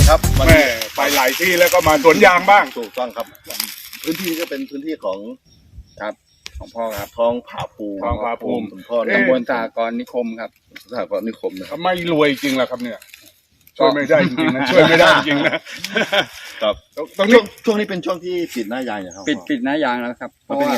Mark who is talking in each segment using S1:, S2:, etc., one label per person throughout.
S1: ครับแม่ไปหลายที่แล้วก็มาสวนยางบ้าง
S2: ถูกต้องครับพื้นที่ก็เป็นพื้นที่ของ
S3: ครับของพ่อครับ
S2: ท้องผาภูมิ
S3: คุณพ่อตำบลสหกรณ์นิคมครับ
S2: สหกรณ์นิคมนะครับ
S1: ไม่รวยจริงเหรอครับเนี่ยช่วยไม่ได้จริงๆนะช่วยไม่ได้จริงนะครับ
S2: ตรงช่วงนี้เป็นช่วงที่ปิดหน้ายางนะครับ
S3: ปิดหน้ายางแล้วครับ
S2: เพราะว่า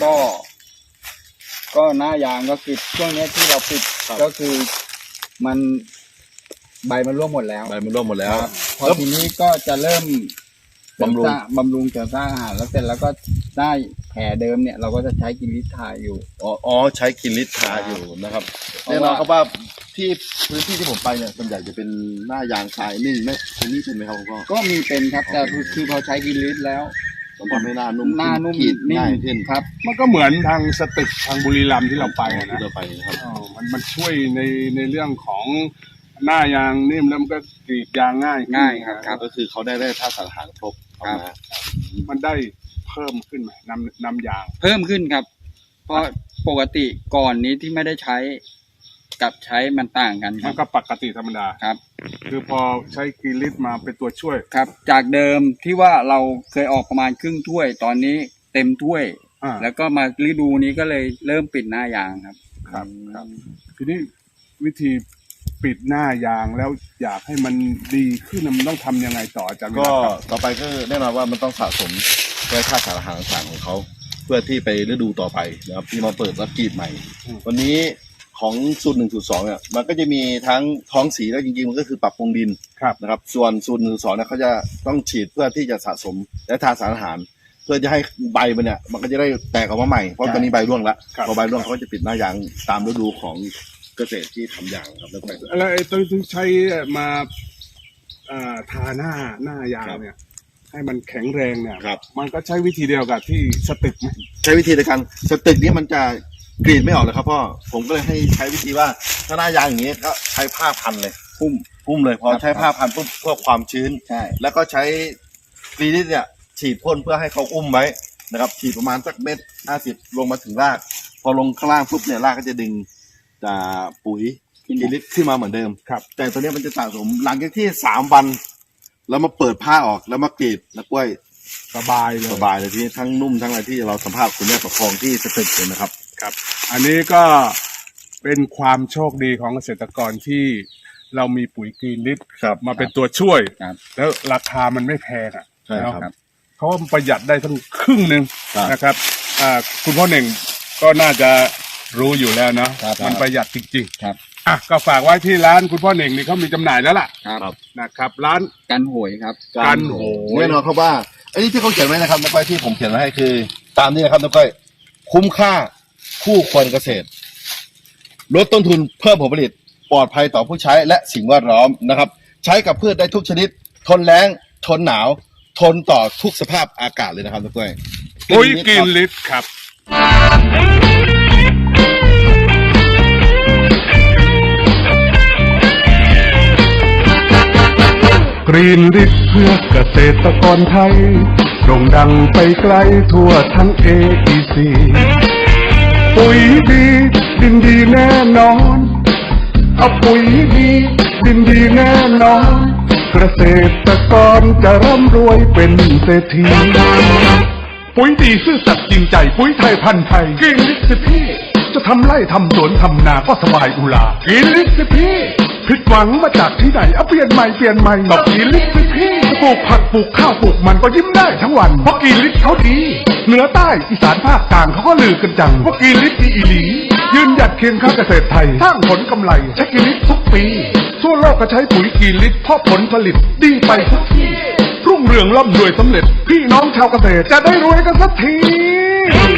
S3: ก็หน้ายางก็คือช่วงนี้ที่เราปิดก็คือมันใบมันร่วงหมดแล้วพอทีนี้ก็จะเริ่มบำรุงเสริมสร้างอาหารแล้วเสร็จแล้วก็ได้แผลเดิมเนี่ยเราก็จะใช้กินลิตรทาอยู่
S2: ใช้กินลิตรทาอยู่นะครับแน่นอนครับว่าที่พื้นที่ที่ผมไปเนี่ยส่วนใหญ่จะเป็นหน้ายางทรายนี่ไหมที่นี่เป็นไหมครับคุณพ่อ
S3: ก็มีเป็นครับแต่คือพอใช้กินลิตรแล้ว
S2: มันทำให้หน้านุ่ม
S3: ง่ายขึ้นครับ
S1: มันก็เหมือนทางสตึกทางบุรีรัมย์ที่เราไปนะ
S2: ครับ
S1: มันช่วยในเรื่องของหน้ายางนิ่มแล้วมันก็กรีดยางง่าย
S3: ครับ
S2: ก็คือเขาได้ธาตุสารอาหารครบ
S1: มันได้เพิ่มขึ้นไหมน้ำยาง
S3: เพิ่มขึ้นครับเพราะปกติก่อนนี้ที่ไม่ได้ใช้กับใช้มันต่างกัน
S1: มันก็ปกติธรรมดา
S3: ครับ
S1: คือพอใช้กิลิตมาเป็นตัวช่วย
S3: ครับจากเดิมที่ว่าเราเคยออกประมาณครึ่งถ้วยตอนนี้เต็มถ้วยแล้วก็มาฤดูนี้ก็เลยเริ่มปิดหน้ายาง
S1: ครับทีนี้วิธีปิดหน้ายางแล้วอยากให้มันดีขึ้นมันต้องทำยังไงต่ออาจารย์
S2: ก็ต่อไปก็แน่นอนว่ามันต้องสะสมด้วยธาตุสารอาหารต่างๆของเขาเพื่อที่ไปฤดูต่อไปนะครับที่มาเปิดรับกรีดใหม่วันนี้ของสูตร1สูตร2เนี่ยมันก็จะมีทั้งท้องสีแล้วจริงๆมันก็คือปรับปรุงดินนะครับส่วนสูตร1สูตร2เนี่ยเขาจะต้องฉีดเพื่อที่จะสะสมและทาสารอาหารเพื่อจะให้ใบมันเนี่ยมันก็จะได้แตกออกมาใหม่เพราะตอนนี้ใบร่วงแล้วพอใบร่วงเขาก็จะปิดหน้ายางตามฤดูของเกษตรที่ทำยางครับ
S1: แล้วไอ้ตัวที่ใช้มาทาหน้ายางเนี่ยให้มันแข็งแรงเนี่ยมันก็ใช้วิธีเดียวกับที่สตึกไหม
S2: ใช้วิธีเดียวกันสตึกนี้มันจะกรีดไม่ออกเลยครับพ่อผมก็เลยให้ใช้วิธีว่าถ้าหน้ายางอย่างนี้ก็ใช้ผ้าพันเลยพุ่มเลยพอใช้ผ้าพันปุ๊บเพื่อความชื้นแล้วก็ใช้กรีดเนี่ยฉีดพ่นเพื่อให้เขาอุ้มไว้นะครับฉีดประมาณสัก1.50 ลงมาถึงรากพอลงข้างล่างปุ๊บเนี่ยรากก็จะดึงปุ๋ยกินลิตรขึ้นมาเหมือนเดิมแต่ตัวนี้มันจะสะสมหลังจากที่3 วันแล้วมาเปิดผ้าออกแล้วมากรีดแล้วกล้วย
S1: สบาย
S2: เลยที่ทั้งนุ่มทั้งอะไรที่เราสัมภาษณ์คุณแม่ประคองที่สตึกเลยนะครับ
S1: อันนี้ก็เป็นความโชคดีของเกษตรกรที่เรามีปุ๋ยกรีนลิตมาเป็นตัวช่วยแล้วราคามันไม่แพง
S2: ครับ
S1: เขาประหยัดได้ทั้งครึ่งนึงนะครับคุณพ่อเน่งก็น่าจะรู้อยู่แล้วเนาะมันประหยัดจริงๆก็ฝากไว้ที่ร้านคุณพ่อเน่งนี่เขามีจำหน่ายแล้วล่ะนะครับร้าน
S3: กันโหยครับ
S1: กันโหย
S2: แน่นอนครับว่าอันนี้ที่เขาเขียนไว้นะครับน้องก้อยที่ผมเขียนไว้ให้คือตามนี้นะครับน้องก้อยคุ้มค่าคู่ควรเกษตรลดต้นทุนเพิ่มผลผลิตปลอดภัยต่อผู้ใช้และสิ่งแวดล้อมนะครับใช้กับพืชได้ทุกชนิดทนแล้งทนหนาวทนต่อทุกสภาพอากาศเลยนะครับน้องก้อย
S1: ปุ๋ยกรีนลิตครับกรีนลิตเพื่อเกษตรกรไทยโด่งดังไปไกลทั่วทั้ง AEC ปุ๋ยดีดินดีแน่นอนเอาปุ๋ยดีดินดีแน่นอนเกษตรกรจะร่ำรวยเป็นเศรษฐีปุ๋ยดีซื่อสัตย์จริงใจปุ๋ยไทยพันธุ์ไทยกรีนลิตสิพี่จะทำไร่ทำสวนทำนาก็สบายอุลากรีนลิตสิพี่ผิดหวังมาจากที่ไหนเอาเปลี่ยนใหม่ต้องกรีนลิตสิพี่จะปลูกผักปลูกข้าวปลูกมันก็ยิ้มได้ทั้งวันเพราะกรีนลิตเขาดีเหนือใต้อีสานภาคกลางเขาก็ลือกันจังว่ากรีนลิตดีอีหลียืนหยัดเคียงข้างเกษตรไทยสร้างผลกำไรใช้กรีนลิตทุกปีทั่วโลกก็ใช้ปุ๋ยกรีนลิตเพราะผลผลิตดีไปทุกที่รุ่งเรืองร่ำรวยสำเร็จพี่น้องชาวเกษตรจะได้รวยกันสักที